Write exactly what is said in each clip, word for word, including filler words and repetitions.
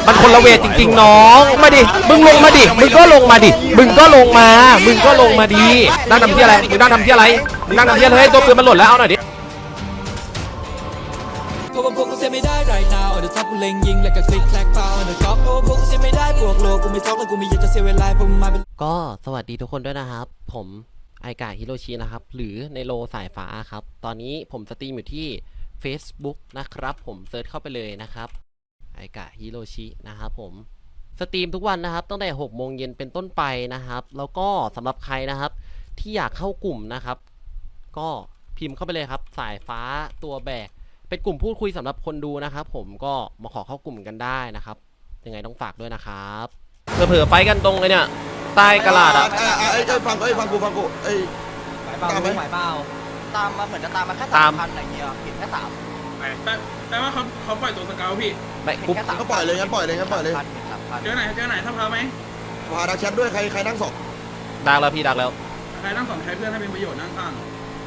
มันคนละเวทจริงๆน้องมาดิมึงลงมาดิมึงก็ลงมาดิมึงก็ลงมามึงก็ลงมาดินั่งทำที่อะไรมึงนั่งทำที่อะไรมึงนั่งทำที่อะไรเฮ้ยตัวปืนมันหล่นแล้วเอาหน่อยดิก็ว่าพวกกูเสียไม่ได้ right now เอาเดี๋ยวท็อปกูเล็งยิงแล้วก็คลิกแคลกเปล่าเอาเดี๋ยวก๊อปก็ว่าพวกกูเสียไม่ได้บวกโลกูไม่ท้องแล้วกูไม่อยากจะเสียเวลาพวกมึงมาเป็นก็สวัสดีทุกคนด้วยนะครับผมไอกาฮิโรชินะครับหรือในโลสายฟ้าครับตอนนี้ผมสตรีมอยู่ที่ Facebook นะครับผมเซิร์ชเข้าไปเลยนะครับไอกาฮิโรชินะครับผมสตรีมทุกวันนะครับตั้งแต่หกโมงเย็นเป็นต้นไปนะครับแล้วก็สำหรับใครนะครับที่อยากเข้ากลุ่มนะครับก็พิมพ์เข้าไปเลยครับสายฟ้าตัวแบกเป็นกลุ่มพูดคุยสำหรับคนดูนะครับผมก็มาขอเข้ากลุ่มกันได้นะครับยังไงต้องฝากด้วยนะครับเผื่อไฟกันตรงเลยเนี่ยใต้กระดาษอ่ะไอ้ไอ้ฟังเอ้ยฟังกูฟังกูไอ้ตามไหมหมายเปล่าตามมาเหมือนจะตามมาแค่สามพันอะไรเงี้ยเห็นแค่สามแต่แต่ว่าเขาเขาปล่อยตัวสเกลพี่ไม่ปุ๊บก็ปล่อยเลยงั้นปล่อยเลยงั้นปล่อยเลยเจอไหนเจอไหนถ้าพาไหมพาดักแชทด้วยใครใครนั่งสองดักแล้วพี่ดักแล้วใครนั่งสองใช้เพื่อนให้เป็นประโยชน์นั่งข้าง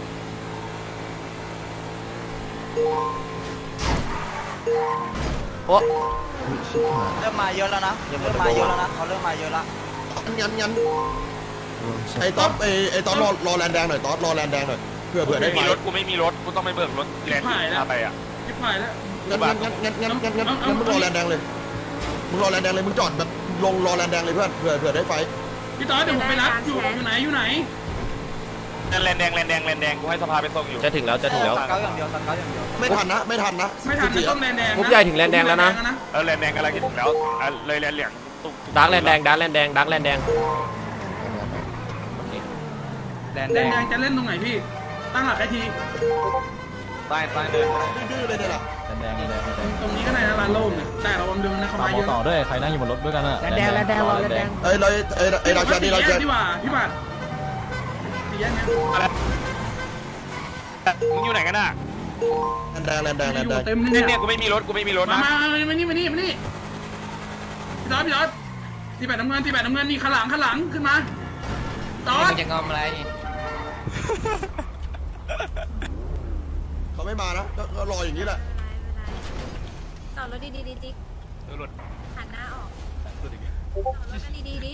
โอ้เริ่มมาเยอะแล้วนะเริ่มมาเยอะแล้วนะเขาเริ่มมาเยอะแล้วงั้นงั้นไอ้ต๊อปไอ้ไอ้ต๊อปรอรอแลนแดงหน่อยต๊อปรอแลนแดงหน่อยเผื่อเผื่อได้มีรถกูไม่มีรถกูต้องไปเบิกรถแลนด์ไปอ่ะชิบหายแล้วงั้นงั้นงั้นงั้นงั้นงั้นงั้นมึงรอแลนแดงเลยมึงรอแลนแดงเลยมึงจอดแบบลงรอแลนแดงเลยเพื่อนเผื่อเผื่อได้ไฟพี่ต๊อปเดี๋ยวผมไปรับอยู่อยู่ไหนอยู่ไหนแลนแดงแลนแดงแลนแดงกูให้สภาไปส่งอยู่จะถึงแล้วจะถึงแล้วเก้าอย่างเดียวสักเก้าอย่างเดียวไม่ทันนะไม่ทันนะไม่ทันต้องแลนแดงปุ๊บใหญ่ถึงแลนแดงแล้วนะเออแลนแดงอะไรถึงแล้วเลยแลนเหลืองดักแลนแดงดักแลนแดงดักแลนแดงแลนแดงจะเล่นตรงไหนพี่ตั้งหลักไอทีใต้ใต้เดินดื้อเลยเนี่ยแหละแดงแดงแดงตรงนี้ก็ในร้านโล่งเนี่ยแต่เราบำรุงนะเขามาเยอะต่อด้วยใครนั่งอยู่บนรถด้วยกันอะแดงแดงแดงแดงเอ้ยเลยเอ้ยไอ้ดักแชทนี่ดักแชทดีกว่าพี่บัตรดีแยกเนี่ยมึงอยู่ไหนกันน่ะแดงแดงแดงแดงแดงเต็มเนี่ยเนี่ยกูไม่มีรถกูไม่มีรถนะมามานี่มานี่มานี่พี่ต๊อดพี่ต๊อดตีแบตน้ำเงินตีแบตน้ำเงินนี่ข้างหลังข้างหลังขึ้นมาต๊อดจะงอมอะไรเขาไม่มานะก็รออย่างนี้แหละต่อรถดีดีดีจิ๊กหันหน้าออกต่อรถดีดีดี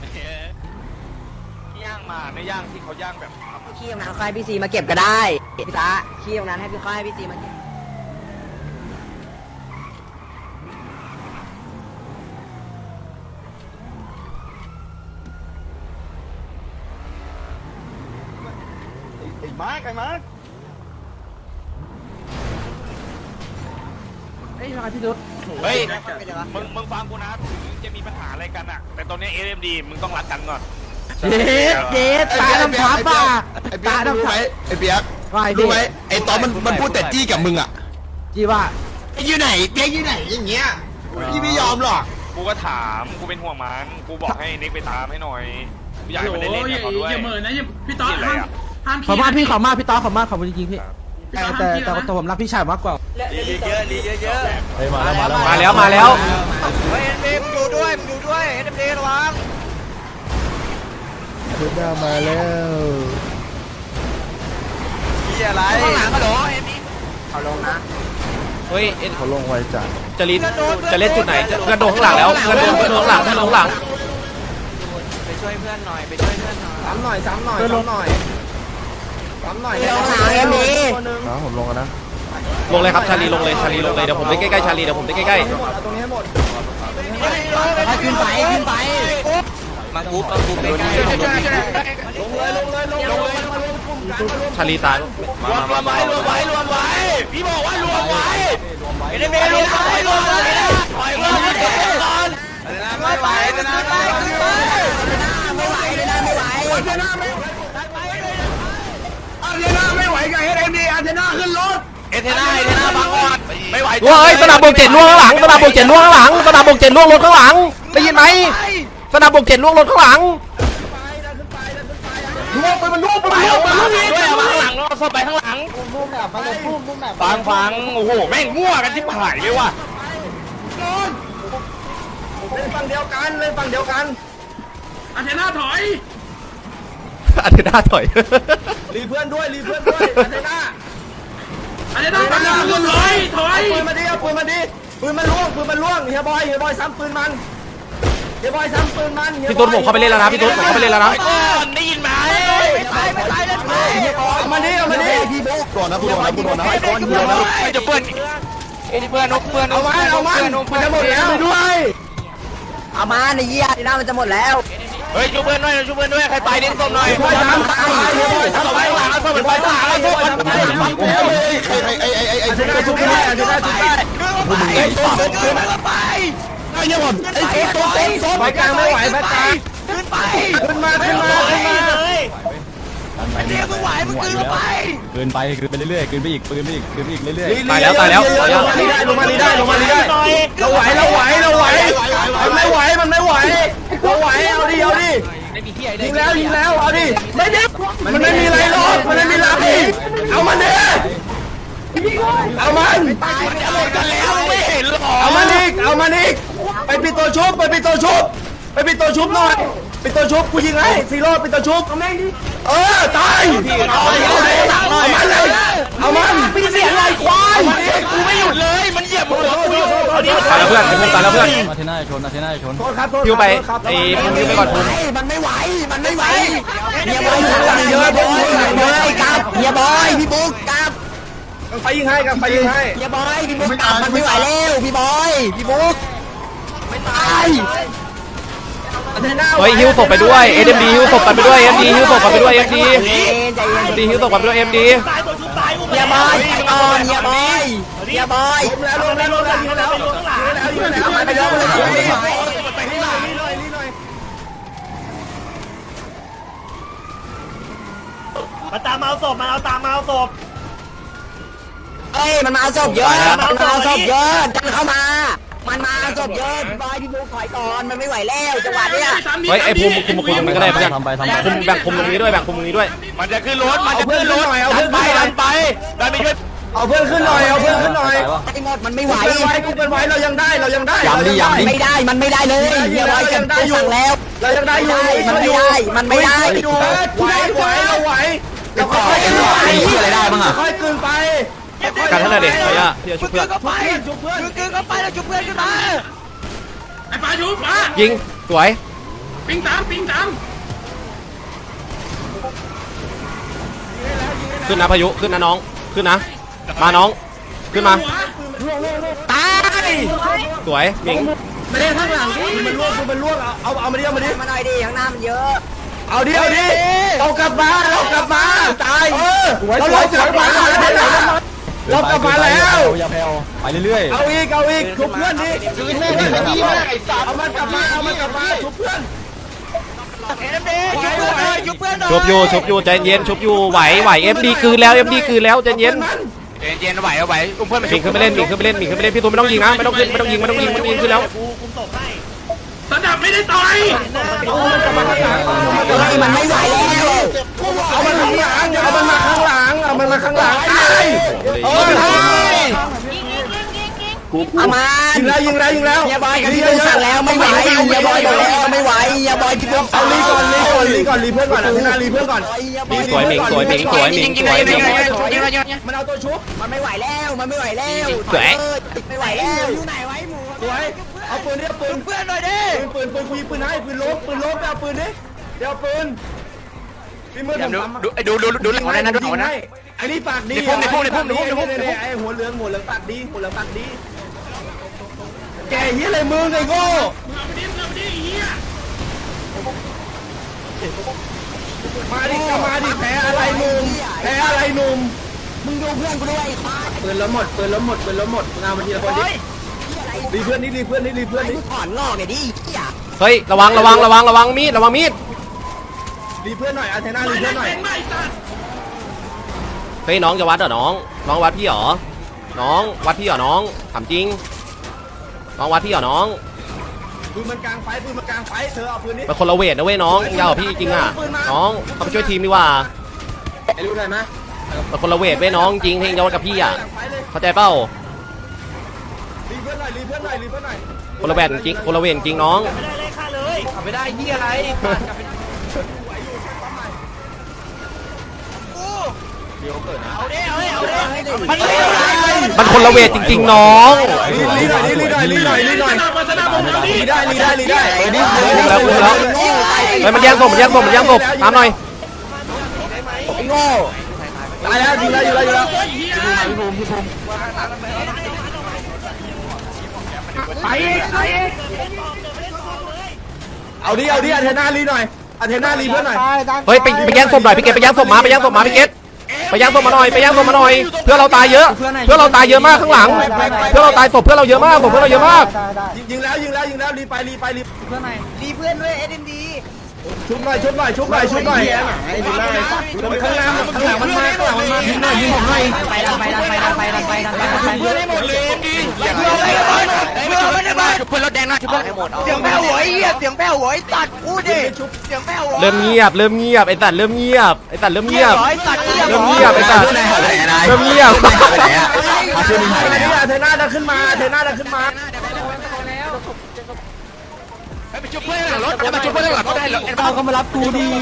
ย่างมาในย่างที่เขาย่างแบบขี้ตรงนั้นค่อยพี่ซีมาเก็บก็ได้พี่ตาขี้ตรงนั้นให้พี่ค่อยให้พี่ซีมาเก็บไอ้มาร์กไอ้มาร์กเฮ้ยมาพี่ดุ๊ดเฮ้ยมึงมึงฟังกูนะถึงจะมีปัญหาอะไรกันอะแต่ตอนนี้ เอ็ม ดีมึงต้องรักกันก่อนเด็ดเด็ดตาดำทับป่ะตาดำทับไอ้เปียกรู้ไหมไอ้ตอนมันมันพูดแต่จี้กับมึงอ่ะจี้ว่าอยู่ไหนเปียกอยู่ไหนอย่างเงี้ยพี่ไม่ยอมหรอกกูก็ถามกูเป็นห่วงมันกูบอกให้นิกไปตามให้หน่อยอยากให้มันได้เล่นกับเขาด้วยอย่าเหมือนนะพี่ต๊อดห้ามห้ามขอมากพี่ขอมากพี่ต๊อดขอมากขอบคุณจริงๆพี่แต่แต่แต่ผมรักพี่ชายมากกว่าลีเยอะลีเยอะเยอะมาแล้วมาแล้วมาแล้วเฮ้ยเอ็นบีมึงดูด้วยมึงดูด้วยเอ็นบีระวังเดินหน้ามาแล้วพี่อะไรข้างหลังฮัลโหลเอ็มบีเขาลงนะเฮ้ยเขาลงไวจัดจะลินจะเล่นจุดไหนจะกระโดดข้างหลังแล้วกระโดดกระโดดข้างหลังกระโดดข้างหลังไปช่วยเพื่อนหน่อยไปช่วยเพื่อนหน่อยซ้ำหน่อยซ้ำหน่อยซ้ำหน่อยซ้ำหน่อยลงหาเอ็มบีครับผมลงกันนะลงเลยครับชาลีลงเลยชาลีลงเลยเดี๋ยวผมไปใกล้ๆชาลีเดี๋ยวผมไปใกล้ๆตรงนี้ให้หมดขึ้นไปขึ้นไปมากูมากูไปใกล้ลงเลยลงเลยลงเลยชาลีตายรวมรวมไว้รวมไว้รวมไว้พี่บอกว่ารวมไว้เอ็นบีรวมไว้รวมไว้ปล่อยมือให้ก่อนไม่ไหวจะน่าไม่ไหวไม่ไหวเลยนะไม่ไหวอาเทน่าไม่อาเทน่าไม่ไหวกับเอ็มดีอาเทน่าขึ้นรถเอเทน่าเอเทน่าบังก่อนไม่ไหวว้ายสนามบกเจ็ดล่วงข้างหลังสนามบกเจ็ดล่วงข้างหลังสนามบกเจ็ดล่วงรถข้างหลังได้ยินไหมสนามบกเจ็ดล่วงรถข้างหลังล่วงไปมันล่วงไปมันล่วงไปมันล่วงด้วยข้างหลังเราเข้าไปข้างหลังพุ่มแบบไปเลยพุ่มพุ่มแบบฟังฟังโอ้โหแม่งมั่วกันที่หายเลยว่ะเล่นฝั่งเดียวกันเล่นฝั่งเดียวกันอาเทน่าถอยอาเทน่าถอยรีเพื่อนด้วยรีเพื่อนด้วยอาเทน่าอาเทน่าถอยถอยถอยปืนมาดิเอาปืนมาดิปืนมันล่วงปืนมันล่วงเฮียบอยเฮียบอยซ้ำปืนมันเฮียบอยซ้ำปืนมันพี่ตุ๊ดผมเข้าไปเล่นแล้วนะพี่ตุ๊ดผมเข้าไปเล่นแล้วนะได้ยินไหมไม่ตายไม่ตายเลยไปเอามาดิเอามาดิพี่บุ๊กก่อนนะกูโดนนะกูโดนนะไอ้ก้อนกูโดนนะไม่จะเพื่อนไอ้เพื่อนนกเพื่อนนเอากมาเพื่อนนเอากมาเพื่อนนกมันเพื่อนจะหมดแล้วด้วยเอามาในเยี่ยที่หน้ามันจะหมดแล้วเฮ้ยช่วยเพื่อนหน่อยช่วยเพื่อนด้วยใครตายเล่นส้มหน่อยบอยซ้ำตายเฮียบอยซ้ำไปหลังซ้ำไปหลังซ้ำไปหลังไอ้ไอ้ไอ้ไอ้ไอ้ชุบได้ชุบได้ชุบได้ชุบได้ไอ้ส้มขึ้นไปไอ้เฮียบอลไอ้โซ่โซ่โซ่ไปกลางไม่ไหวไปกลางขึ้นไปขึ้นมาขึ้นมาขึ้นมาเรียกมึงไหวมึงขึ้นไปเกินไปเกินไปเรื่อยๆเกินไปอีกเกินไปอีกเกินไปอีกเรื่อยตายแล้วตายแล้วตายแล้วลงมาดีได้ลงมาดีได้เราไหวเราไหวเราไหวมันไม่ไหวมันไม่ไหวเราไหวเอาดิเอาดิยิงแล้วยิงแล้วเอาดิไม่ดิมันไม่มีอะไรหรอกมันไม่มีอะไรเอามันดิเอามันจะหมดกันแล้วไม่เห็นหรอเอามันอีกเอามันอีกไปปิดตัวชุบไปปิดตัวชุบไปปิดตัวชุบหน่อยปิดตัวชุบกูยิงให้ซีโร่ปิดตัวชุบเอาแม่งดิเออตายเอามันเลยเอามันพี่เสียอะไรควายกูไม่หยุดเลยมันเหยียบหัวกูอยู่ตายแล้วเพื่อนไอ้พวกตายแล้วเพื่อนๆมาเทน่าชนมาเทน่าชนโทษครับโทษพิวไปไอ้พิวไปก่อนคุณมันไม่ไหวมันไม่ไหวเฮียบอยอยู่หลังเยอะบอยบอยกับเฮียบอยพี่บุ๊กกับไฟยิงให้กันไฟยิงให้เฮียบอยพี่บุ๊กกับมันไม่ไหวแล้วพี่บอยพี่บุ๊กไม่ตายเฮ้ยฮิวศพไปด้วยเอ็มดีฮิวศพกันไปด้วยเอ็มดีฮิวศพกันไปด้วยเอ็มดีใจเย็นใจเย็นเอ็มดีฮิวศพกันไปด้วยเอ็มดีเฮียบอยไปก่อนเฮียบอยเฮียบอยล้มแล้วล้มแล้วล้มแล้วยิงแล้วยิงแล้วยิงแล้วไปแล้วไปแล้วไปแล้วไปนี่หน่อยนี่หน่อยนี่หน่อยมาตามมาเอาศพมาเอาตามมาเอาศพเอ้ยมันมาเอาศพเยอะมันมาเอาศพเยอะดันเข้ามา มันมาเอาศพเยอะพี่บอยพี่บุ๊กถอยก่อนมันไม่ไหวแล้วจังหวะเนี้ยเฮ้ยไอ้ภูมิคุมคุมตรงนี้ก็ได้เพื่อนทำไปทำไปคุมแบ่งคุมตรงนี้ด้วยแบ่งคุมตรงนี้ด้วยมันจะขึ้นรถมันจะขึ้นรถเอาดัเพื่อน นไปไปดันไปดันไปช่วยเอาเพื่อนขึ้นหน่อยเอาเพื่อนขึ้นหน่อยไอ้หมดมันไม่ไหวกูเป็นไว้กูเป็นไว้เรายังได้เรายังได้ไม่ได้มันไม่ได้เลยเฮียบอยเก็บตัวสั่งแล้วเรายังได้อยู่มันไม่ได้มันไม่ได้อยู่ไหวไหวเราไหวเราค่อยๆไหวอะไรได้บ้างอ่ะค่อยๆกลืนไปการเท่าไหร่เด็กขออนุญาตที่จะช่วยเพื่อนก็ไปชุบเพื่อนชุบเพื่อนก็ไปแล้วชุบเพื่อนขึ้นมาไอ้ปลาชุบปลายิงสวยปิงตามปิงตามขึ้นนะพายุขึ้นนะน้องขึ้นนะมาน้องขึ้นมาตายสวยยิงไม่ได้ข้างหลังดิมันล่วงมันล่วงเอาเอาเอามาดิเอามาดิมาหน่อยดิข้างหน้ามันเยอะเอาดิเอาดิเรากลับมาเรากลับมาตายเออเราเรากลับมาเรากลับมาแล้วอย่าแผ่วไปเรื่อยเอาอีกเอาอีกชุบเพื่อนดิชุบเพื่อนดิเอามันกลับมาเอามันกลับมาชุบเพื่อนเอ็มดีชุบเพื่อนหน่อยชุบเพื่อนหน่อยชุบอยู่ชุบอยู่ใจเย็นชุบอยู่ไหวไหวเอ็มดีคืนแล้วเอ็มดีคืนแล้วใจเย็นเย็นเย็นไหวเอาไหวอุ้มเพื่อนไปหมิงขึ้นไปเล่นหมิงขึ้นไปเล่นหมิงขึ้นไปเล่นพี่ตูนไม่ต้องยิงนะไม่ต้องขึ้นไม่ต้องยิงไม่ต้องยิงมันยิงขึ้นแล้วกูคุมศพให้สนับไม่ได้ต่อยมันไม่ไหวแล้วเอามันข้างหลังเอามันมาข้างหลังเอามันมาข้างหลังตายเออตายยิงยิงยิงยิงยิงอามายิงแล้วยิงแล้วยิงแล้วเฮียบอยกับพี่บุ๊กสั่งแล้วไม่ไหวเฮียบอยบอกแล้วไม่ไหวเฮียบอยพี่บุ๊กเอาลีก่อนลีก่อนลีก่อนลีเพื่อนก่อนนะพี่นาลีเพื่อนก่อนหมิงสวยหมิงสวยหมิงสวยหมิงสวยหมิงมันเอาตัวชุบมันไม่ไหวแล้วมันไม่ไหวแล้วสวยไม่ไหวแล้วอยู่ไหนไว้หมูสวยเอาปืนดิเอาปืนเพื่อนหน่อยดิปืนปืนปืนกูยิงปืนให้ปืนล้มปืนล้มไปเอาปืนดิเดี๋ยวปืนพี่มือผมดูดูดูดูหลังนะดูหลังนะไอ้นี่ปากดีไอ้หัวเหลืองหัวเหลืองปากดีหัวเหลืองปากดีแกเฮียอะไรมึงไอ้โง่เอาดิเอาดิเฮียมาดิมาดิแพ้อะไรหนุ่มแพ้อะไรหนุ่มมึงดูเพื่อนกูด้วยปืนแล้วหมดปืนแล้วหมดปืนแล้วหมดงานมาทีละคนดิรีเพื่อนนี่รีเพื่อนนี่รีเพื่อนไอ้นี่กูถอนงอกเนี่ยดิเฮ้ยระวังระวังระวังระวังมีดระวังมีดรีเพื่อนหน่อยอาเทน่ารีเพื่อนหน่อยเป็นไม่ตัดเฮ้ยน้องจะวัดเหรอน้องน้องวัดพี่เหรอน้องวัดพี่เหรอน้องถามจริงน้องวัดพี่เหรอน้องปืนมันกลางไฟปืนมันกลางไฟเธอเอาปืนนี้เป็นคนละเวทนะเว้ยน้องยาวกว่าพี่จริงอ่ะน้องเขาไปช่วยทีมดีกว่าไอ้รู้ได้ไหมเป็นคนละเวทเว้ยน้องจริงเพลงจะวัดกับพี่อ่ะเข้าใจเปล่ารีเพื่อนหน่อยรีเพื่อนหน่อยรีเพื่อนหน่อยคนละเวทจริงคนละเวทจริงน้องไม่ได้เลยฆ่าเลยไม่ได้ที่อะไรเอาดิเอาดิเอาดิมันไม่ไหวมันคนละเวทจริงๆน้องลีหน่อยลีหน่อยลีหน่อยลีหน่อยมาชนะผมเอาดิลีได้ลีได้ลีได้เฮ้ยนี่คุมแล้วคุมแล้วเฮ้ยมันแย่งศพมันแย่งศพมันแย่งศพตามหน่อยไอ้โง่ตายแล้วยิงแล้วยิงแล้วยิงแล้วไปอีกไปอีกเอาดิเอาดิอาเทน่าลีหน่อยอาเทน่าลีเพื่อนหน่อยเฮ้ยไปไปแย่งศพหน่อยพี่เกตไปแย่งศพมาไปแย่งศพมาพี่เกตไปแย่งศพมาหน่อยไปแย่งศพมาหน่อยเพื่อเราตายเยอะเพื่อเราตายเยอะมากข้างหลังเพื่อเราตายศพเพื่อเราเยอะมากศพเพื่อเราเยอะมากยิงแล้วยิงแล้วยิงแล้วรีไปรีไปรีเพื่อนหน่อยรีเพื่อนด้วยเอ็นดีชุบหน่อยชุบหน่อยชุบหน่อยชุบหน่อยข้างหน้าข้างหลังมันมาข้างหลังมันมายิงหน่อยยิงผมหน่อยไปดันไปดันไปดันไปดันไปดันไปดันไปเพื่อนให้หมดเลยดิอย่าเพื่อนไม่ได้มาชุบเพื่อนรถแดงหน่อยชุบเพื่อนให้หมดเสียงแผ่วหัวไอ้เหี้ยเสียงแผ่วหัวไอ้ตัดพูดดิเสียงแผ่วหัวเริ่มเงียบเริ่มเงียบไอ้สัตว์เริ่มเงียบไอ้สัตว์เริ่มเงียบไอ้ตัดเริ่มเงียบไอ้สัตว์เริ่มเงียบอาเทน่าดันขึ้นมาอาเทน่าดันขึ้นมาไปชุบเพื่อนหลังรถมาชุบเพื่อนหลังรถได้แล้วเราก็มารับกูดี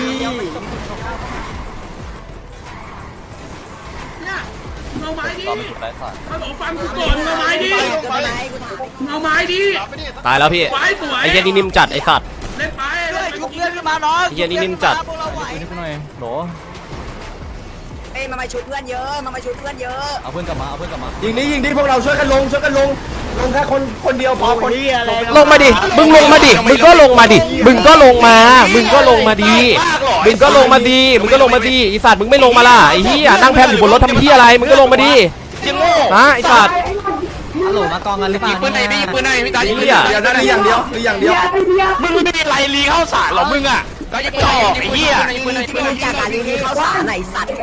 เนี่ยเอาไม้ดิมาบอกฟังกูก่อนเอาไม้ดิเอาไม้ดิตายแล้วพี่ไว้สวยไอ้เหี้ยนี่นิ่มจัดไอ้สัตว์เล่นไปชุบเพื่อนขึ้นมาน้องไอ้เหี้ยนี่นิ่มจัดนิดหน่อยโหลเอ้ยมามาชุดเพื่อนเยอะมามาชุดเพื่อนเยอะเอาเพื่อนกลับมาเอาเพื่อนกลับมายิงดิยิงดิพวกเราช่วยกันลงช่วยกันลงลงแค่คนคนเดียวพอคนลงมาดิมึงลงมาดิมึงก็ลงมาดิมึงก็ลงมามึงก็ลงมาดิมึงก็ลงมาดิมึงก็ลงมาดิไอ้สัตว์มึงไม่ลงมาล่ะไอ้เหี้ยนั่งแพมอยู่บนรถทำเหี้ยอะไรมึงก็ลงมาดิยังโง่นะไอ้สัตว์ฮัลโหลมากองกันหรือเปล่ายิงปืนไหนไม่ยิงปืนไหนไม่ตายยิงเดียวนั่นอย่างเดียวหรืออย่างเดียวมึงไม่มีไรลีเข้าสารหรอมึงอ่ะก็จะจ่อไอ้เหี้ยมึงจากการรีวิวเขาสารไหนสัตว์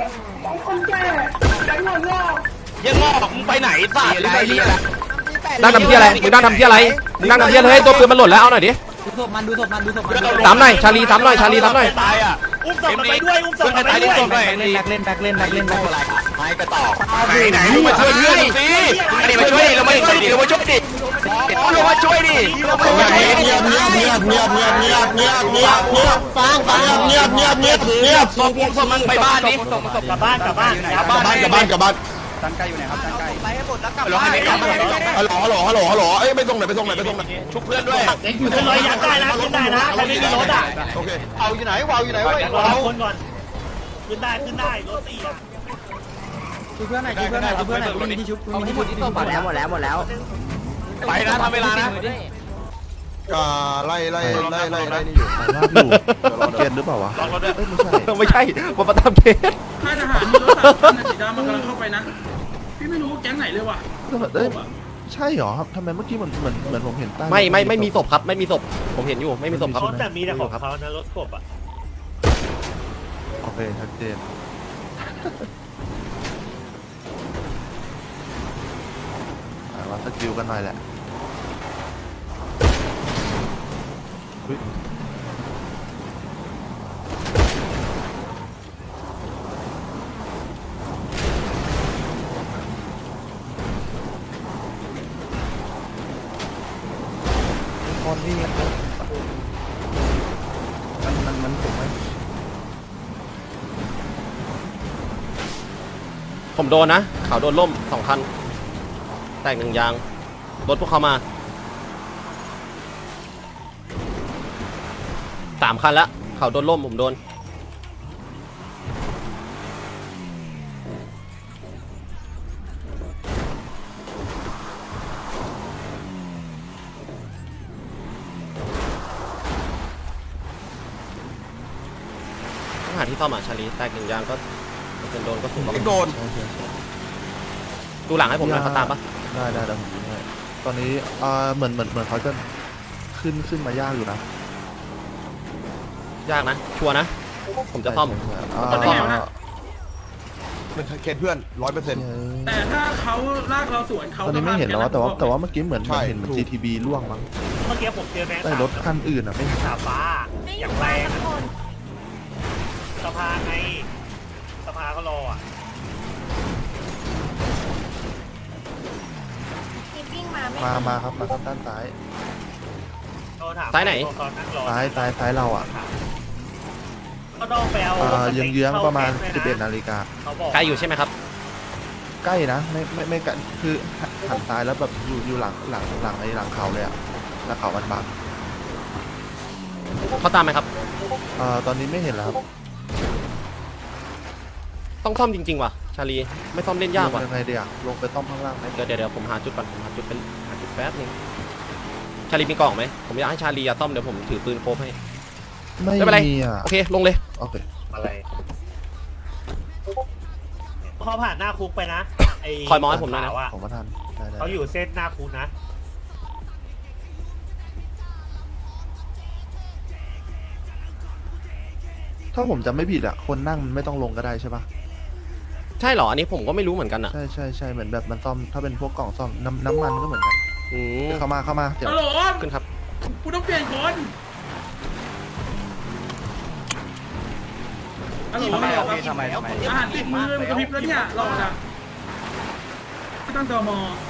ยังงอกมึงไปไหนสารไรลีนั่งทำเหี้ยอะไรมึงนั่งทำเหี้ยอะไรมึงนั่งทำเหี้ยอะไรเฮ้ยตัวปืนมันหล่นแล้วเอาหน่อยดิดูศพมันดูศพมันดูศพมันสามหน่อยชาลีสามหน่อยชาลีสามหน่อยตายอ่ะอุ้มศพมันไปด้วยอุ้มศพมันไปด้วยแบ็คเล่นแบ็คเล่นแบ็คเล่นแบ็คเล่นไหนก็ต่อไหนไหนมึงมาช่วยเพื่อนสิอันนี้มาช่วยดิเราไม่ช่วยดิเรามาช่วยดิเรามาช่วยดิเรามาช่วยดิเงียบเงียบเงียบเงียบเงียบเงียบเงียบเงียบเงียบฟังฟังเงียบเงียบเงียบเงียบส่งส่งมันไปบ้านดิกลับบ้านกลับบ้านกลับบ้านกลับบ้านกลับบ้านไปให้หมดแล้วกลับฮัลโหลฮัลโหลฮัลโหลฮัลโหลฮัลโหลเอ้ยไปส่งไหนไปส่งไหนไปส่งไหนชุบเพื่อนด้วยอยู่ในรอยยัดได้นะขึ้นได้นะใครไม่มีรถอ่ะโอเคเอาอยู่ไหนวาวอยู่ไหนวะรอคนก่อนขึ้นได้ขึ้นได้รถสี่อ่ะดูเพื่อนหน่อยดูเพื่อนหน่อยดูเพื่อนหน่อยมีที่ชุบมีที่หมดที่ศพหมดแล้วหมดแล้วหมดแล้วไปนะทำเวลานะอ่าไล่ไล่ไล่ไล่ไล่นี่อยู่เกณฑ์หรือเปล่าวะลองรถด้วยไม่ใช่มาประทับเทสค่ายทหารมีรถสามคันนะสีดำมันกำลังเข้าไปนะพี่ไม่รู้แก๊งไหนเลยว่ะเอ้ยใช่เหรอครับทำไมเมื่อกี้เหมือนเหมือนเหมือนผมเห็นใต้ไม่ไม่ไม่มีศพครับไม่มีศพผมเห็นอยู่ไม่มีศพครับรถแต่มีแต่ของเขานะรถกบอ่ะโอเคชัดเจนอ่าวัดสกิลกันหน่อยแหละเฮ้ยตอนนี้มันมันมันผมไหมผมโดนนะเขาโดนล่มสองคันแตกหนึ่งยางรถพวกเขามาสามคันละเขาโดนล่มผมโดนต้องหาที่ซ่อมอ่ะชาลีแตกหนึ่งยางก็เป็นโดนก็สูงโดนดูหลังให้ผมหน่อยเขาตามปะได้ได้ได้ผมดูให้ตอนนี้เอ่อเหมือนเหมือนเหมือนเขาจะขึ้นขึ้นมายากอยู่นะยากนะชัวร์นะผมจะซ่อมอ่าตอนนี้นะเป็นเคสเพื่อนร้อยเปอร์เซ็นต์แต่ถ้าเขาลากเราสวนเขาตอนนี้ไม่เห็นแล้วว่าแต่ว่าแต่ว่าเมื่อกี้เหมือนเหมือนเห็นเหมือน จี ที บี ล่วงมั้งเมื่อกี้ผมเจอแบงค์แต่รถคันอื่นอ่ะไม่เห็นสาฟ้าอย่างแรงสภาไงสภาก็รออ่ะทีปิ้งมาไม่มามาครับมาครับด้านซ้ายซ้ายไหนตอนนั่งรอซ้ายซ้ายซ้ายเราอ่ะก็ต้องไปเอาอ่าเยื้องๆประมาณสิบเอ็ดนาฬิกาเขาบอกไกลอยู่ใช่ไหมครับใกล้นะไม่ไม่ไม่ไกลคือหันซ้ายแล้วแบบอยู่อยู่หลังหลังหลังไอ้หลังเขาเลยอะแล้วเขามันบังเขาตามไหมครับเอ่อตอนนี้ไม่เห็นแล้วครับต้องซ่อมจริงๆว่ะชาลีไม่ซ่อมเล่นยากว่ะลงยังไงเดี๋ยวลงไปต้อมข้างล่างไหมเดี๋ยวเดี๋ยวเดี๋ยวผมหาจุดก่อนผมหาจุดเป็นหาจุดแป๊บนึงชาลีมีกล่องไหมผมอยากให้ชาลีอะซ่อมเดี๋ยวผมถือปืนโคบให้ไม่ไม่เป็นไรมีอ่ะโอเคลงเลยโอเคอะไรเขาผ่านหน้าคุกไปนะไอ้คอยมองให้ผมหน่อยนะขาวอะผมก็ทันได้ได้เขาอยู่เส้นหน้าคุกนะถ้าผมจำไม่ผิดอ่ะคนนั่งมันไม่ต้องลงก็ได้ใช่ปะใช่เหรออันนี้ผมก็ไม่รู้เหมือนกันอ่ะใช่ใช่ใช่เหมือนแบบมันซ่อมถ้าเป็นพวกกล่องซ่อมน้ำน้ำมันก็เหมือนกันอืมเข้ามาเข้ามาเดี๋ยวฮัลโหลขึ้นครับกูต้องเปลี่ยนคนฮัลโหลทำไมเอาพี่ทำไมทำไมอาหารติดมือมันกระพริบแล้วเนี่ยหลอดอ่ะไม่ต้องตม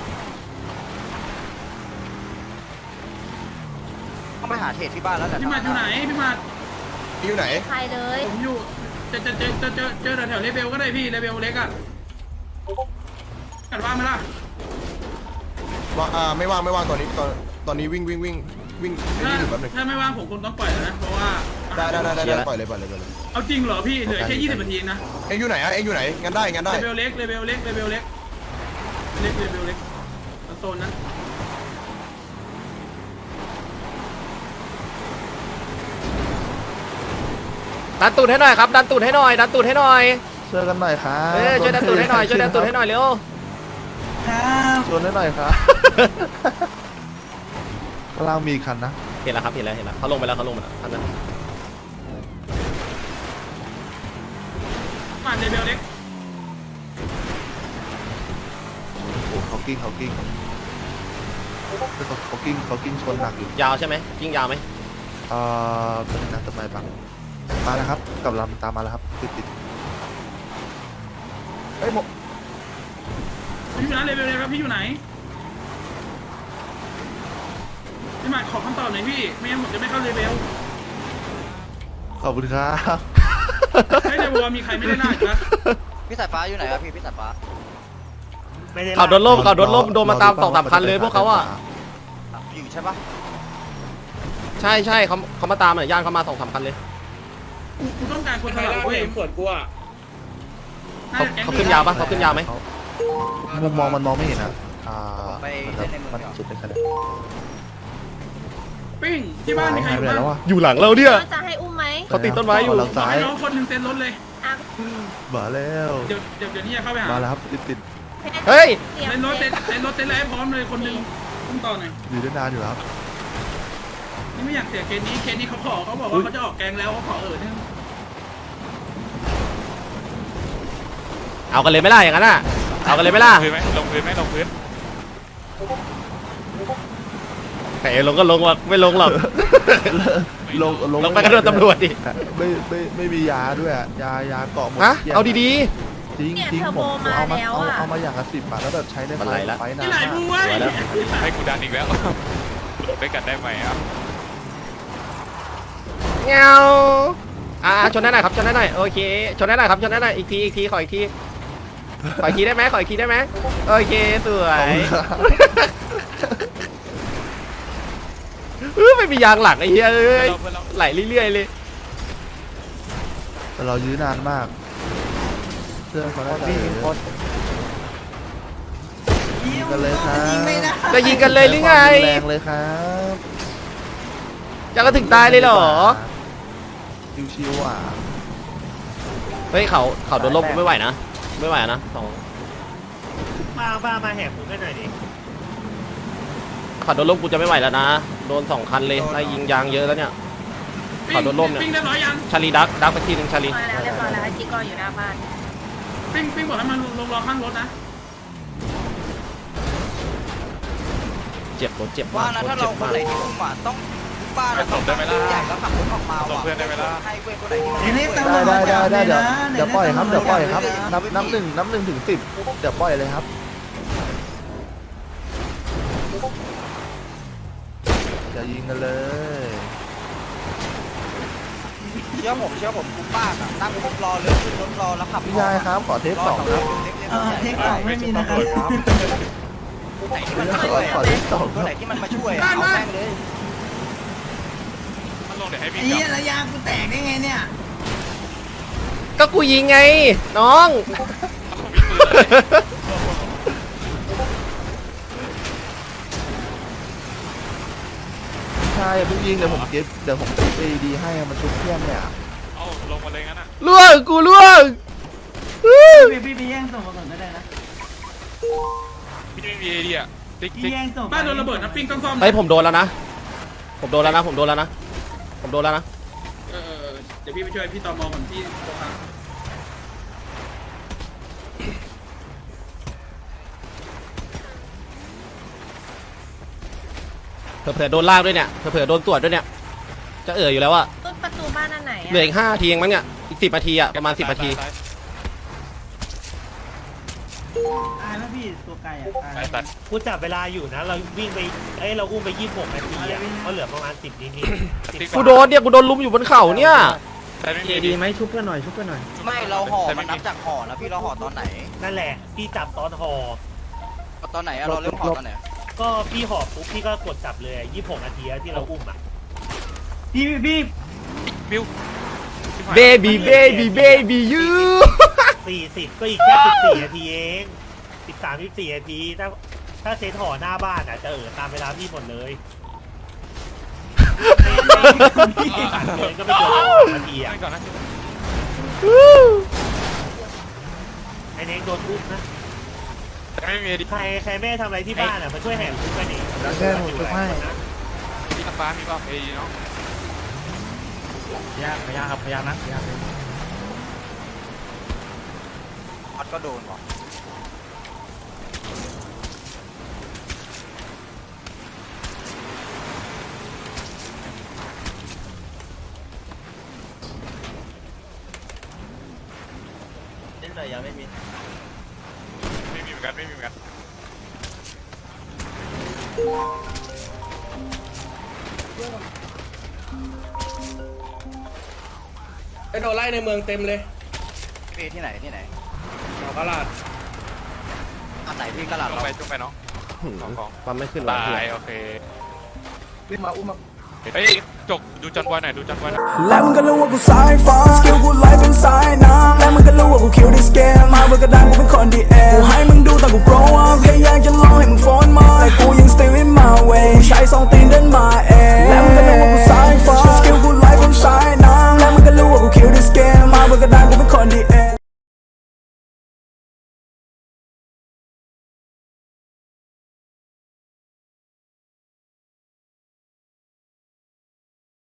ต้องไปหาเทรดที่บ้านแล้วแต่พี่หมัดอยู่ไหนพี่หมัดอยู่ไหนใครเลยผมอยู่จะจะจะจะเจอเจอแถวเลเบลก็ได้พี่เลเบลเล็กอ่ะกันว่าไหมล่ะว่าอ่าไม่ว่างไม่ว่างตอนนี้ตอนตอนนี้วิ่งวิ่งวิ่งวิ่งไอ้ถ้านี่อยู่แป๊บนึงถ้าไม่ว่างผมคงต้องปล่อยแล้วนะเพราะว่าได้ได้ได้ได้ปล่อยเลยปล่อยเลยปล่อยเลยเอาจริงเหรอพี่เหลือแค่ยี่สิบนาทีนะเอ็งอยู่ไหนอ่ะเอ็งอยู่ไหนงั้นได้งั้นได้เลเบลเล็กเลเบลเล็กเลเบลเล็กเล็กเลเบลเล็กโซนนั้นดันตูดให้หน่อยครับดันตูดให้หน่อยดันตูดให้หน่อยช่วยกันหน่อยครับเอ้ยช่วยดันตูดให้หน่อยช่วยดันตูดให้หน่อยเร็วชวนให้หน่อยครับข้างล่างมีอีกคันนะเห็นแล้วครับเห็นแล้วเห็นแล้วเขาลงไปแล้วเขาลงไปแล้วท่านนั้นมาเลเบลเล็กโอ้เขากิ้งเขากิ้งเขาเขากิ้งเขากิ้งชนหนักอยู่ยาวใช่ไหมกิ้งยาวไหมเอ่อเป็นนักต้นไม้บังมาแล้วครับกำลังตามมาแล้วครับติดติดเฮ้ยหมกพี่อยู่ไหนเลเบลเล็กครับพี่อยู่ไหนพี่หมัดขอคำตอบหน่อยพี่ไม่งั้นผมจะไม่เข้าเลเบลขอบคุณครับไม่ได้บอกว่ามีใครไม่ได้หน้าอีกนะพี่สายฟ้าอยู่ไหนครับพี่พี่สายฟ้าไม่ได้ขับโดนล่มขับโดนล่มโดนมาตามสองสามคันเลยพวกเขาอ่ะอยู่ใช่ปะใช่ใช่เขาเขามาตามอ่ะย่านเขามาสองสามคันเลยกูต้องการคนไทยเว้ยส่วนกูอ่ะเขาเขาขึ้นยาวปะเขาขึ้นยาวไหมมุมมองมันมองไม่เห็นอ่ะอ่าไปมันเล่นในเมืองมันเดียวสุดเลยขนาดปิ้งที่บ้านมีใครหาอย ยู่ไปไหนบ้างแล้ววะอยู่หลังเราเนี่ยก็จะให้อุ้มไหมเขาติดต้นไม้อยู่เราบอกซ้ายให้น้องคนหนึ่งเซ็นรถเลยอ่ะมาแล้วเดี๋ยวเดี๋ยวเดี๋ยวนี้จะเข้าไปหามาแล้วครับติดติดเฮ้ยเตรียมเซ็นรถเซ็เซ็นนเซ็นรถเซ็นอะไรให้พร้อมเลยคนหนึ่งต้องต่อหน่อยอยู่ได้นานอยู่แล้วครับนี่ไม่อยากเสียเคสนี้เคสนี้เขาขอเขาบอกว่าเขาจะออกแกงแล้วเขาขอเออเนี่ยเอากันเลยไหม่ล่ะอย่างนั้นอ่ะเอากันเลยไหม่ล่ะพื้นไหมลงพื้นไหมลงพื้นแต่ลงก็ลงว่ะไม่ลงหรอกลงลงไปกระโดดตำรวจดิไม่ไม่ไม่มียาด้วยอะยายาเกาะหมดฮะกลี้ยงเอาดีจริงเนี่ยจริงเทอร์ผโบมมาเอามาแล้วเอาอ่ะเอามาอย่างละสิบบาทแล้วแบบใช้ในมันไฟไหลละไฟนาที่นไหนมากบูเว้ยให้กูดันอีกแล้วด้วยกันได้ไหมอ่ะๆเงาอ่าชนได้หน่อยครับชนได้หน่อยโอเคชนได้หน่อยครับชนได้หน่อยอีกทีอีกทีขออีกทีขออีกทีได้ไหมขออีกทีได้ไหมโอเคสวขอบยคุณครับเออไม่มียางหลังไอ้เหี้ยเอ้ยไหลเรื่อยๆเลยแต่เรายื้อนานมากเสื้อเขาได้แต่ยิงกันเลยครับจะยิงกันเลยหรือไงแรงเลยครับจะก็ถึงตายเลยเหรอชิวๆอ่ะเฮ้ยเขาเขาโดนลบกูไม่ไหวนะไม่ไหวนะสองมาบ้ามาแหกคุกกันหน่อยดิเขาโดนลบกูจะไม่ไหวแล้วนะโดนสองคันเลยไล่ยิงยางเยอะแล้วเนี่ย ขอโดนร่มเนี่ยปิ้งเรียบร้อยยังชาลีดักดักไปทีหนึ่งชาลีมาแล้วเรียบร้อยแล้วไอ้จิ๊กก็อยู่หน้าบ้านปิ้งปิ้งบอกให้มันลงรอข้างรถนะเจ็บรถเจ็บว่าากนะรถถ้าเจ็เราบคนมากไหนที่อุ้มอ่ะต้องบ้านเราต้องตั้งใหญ่แล้วขับรถออกมาว่ะให้เว้ยคนไหนที่มันได้ได้ได้ได้เดี๋ยวเดี๋ยวปล่อยครับเดี๋ยวปล่อยครับนับนับหนึ่งนับหนึ่งถึงสิบเดี๋ยวปล่อยเลยครับอย่ายิงกันเลยเชื่อผมเชื่อผมคุ้มมากอ่ะนั่งรถรอเลยขึ้นรถรอแล้วขับพี่ยายครับขอเทปสองครับเล็กเทคสองไม่มีนะครับไหนที่มันมาช่วยตัวไหนที่มันมาช่วยเอาแม่งเลยมันลงเดี๋ยวให้พี่ไอ้เหี้ยระยะกูแตกได้ไงเนี่ยก็กูยิงไง น้องใช่เพิ่งยิงเดี๋ยวผมเก็บเดี๋ยวผมเก็บเอดีให้อะมันชุบเพื่อนเนี่ยเอาลงมาเลยงั้นอ่ะล่วงกูล่วงพี่พี่พี่แย่งส่งมาก่อนก็ได้นะพี่ไม่มีไอเดียติ๊กพี่ติ๊กแย่งส่งบ้านโดนระเบิดนะปิ้งต้องซ่อมเฮ้ยผมโดนแล้วนะ ผมโดนแล้วนะ ผมโดนแล้วนะ ผมโดนแล้วนะเออเดี๋ยวพี่ไปช่วยพี่ตอมอก่อนพี่ตรงกลางเผื่อๆโดนลากด้วยเนี่ย เผื่อๆโดนตรวจด้วยเนี่ย จะเอ่ยอยู่แล้วอะต้นประตูบ้านอันไหนเหลืออีกห้านาทีเองมั้งเนี่ย อีกสิบนาทีอะประมาณสิบนาทีตายแล้วพี่ตัวไก่อะตายไอ้สัตว์กูจับเวลาอยู่นะ เราวิ่งไปเอ้ยเราอุ้มไปยี่สิบหกนาทีอ่ะก็เหลือประมาณสิบนิดนิดกูโดนเนี่ย กูโดนลุมอยู่บนเขาเนี่ยแต่ไม่มีไอเดียไม่เราห่อมันนับจากห่อนะพี่เราห่อตอนไหนนั่นแหละพี่จับตอนห่อตอนไหนเราเริ่มห่อตอนไหนก็พี่ห่อปุ๊บพี่ก็กดจับเลยยี่สิบหกนาทีที่เราอุ้มอ่ะพี่พี่บิวเบบี้เบบี้เบบี้ยูสี่สิบก็อีกแค่สิบสี่นาทีเองสิบสามสิบสี่นาทีถ้าถ้าเซตห่อหน้าบ้านอ่ะจะเออตามเวลาพี่หมดเลยผ่านเลยก็ไม่เกินสองนาทีอ่ะไม่ก่อนนะไอ้เน็กโดนอุ้มนะแต่ไม่มีไอเดียใครใครแม่ทำอะไรที่บ้านอ่ะมาช่วยแห่คุกกันนี่แค่ผมจะให้พี่น้ำฟ้ามีป่ะไอเนาะยากพยายามครับพยายามนะพยายามพัดก็โดนว่ะเล่นหน่อยยังไม่มีไม่มีเหมือนกันไม่มีเหมือนกันไอ้โดนไล่ในเมืองเต็มเลยพี่ที่ไหนที่ไหนเอากระลาดอันไหนพี่กระหลัดลงเราไปจุ่มไปเนาะสองกองปั๊มไม่ขึ้นหรอตาเพื่อนยโอเควิ่งมาอุ้มมาเฮ้ยจกดูจอนบอยหน่อยดูจอนบอยหน่อยและมึงก็รู้ว่ากูสายฟ้าสกิลกูไล่เป็นสายน้ำและมึงก็รู้ว่ากูคิวได้สเกมมาเบอร์กระดานกูเป็นคนดีเอกูให้มึงดูตอนกู grow up แค่